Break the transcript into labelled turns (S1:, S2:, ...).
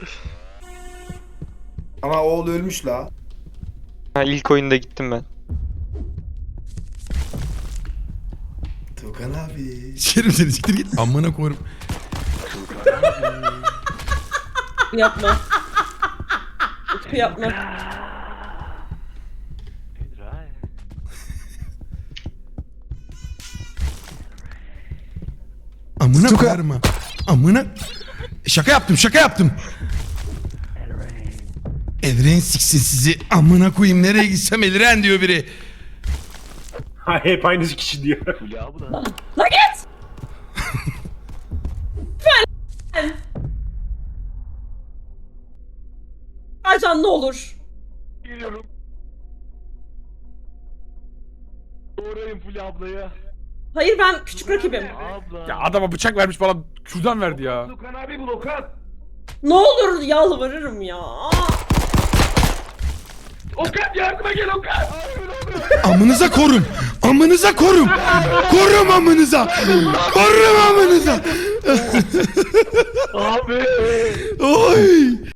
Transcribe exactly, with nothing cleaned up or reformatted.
S1: Ama oğul ölmüş la.
S2: Ha, ilk oyunda gittim ben.
S1: Tukan abi.
S3: Sikerim seni, siktir git. Amına koyarım.
S4: Yapma. Utku yapma.
S3: Amına
S1: Tuka.
S3: koyarım ha. Amına. Şaka yaptım, şaka yaptım. Elren siksin sizi. Amına koyayım, nereye gitsem Elren diyor biri.
S5: Ha, hep aynı kişi diyor.
S4: La git! Lütfen! Ercan ne olur.
S6: Geliyorum. Doğrayın Fulya ablaya.
S4: Hayır ben küçük rakibim.
S6: Abla.
S7: Ya adama bıçak vermiş bana kürdan verdi ya.
S6: Okan abi bul Okan.
S4: Ne olur yalvarırım ya.
S6: Okan yardıma gel Okan.
S3: Amınıza korum. Amınıza korum. Korum amınıza. Korum amınıza.
S6: Abi.
S3: Oy.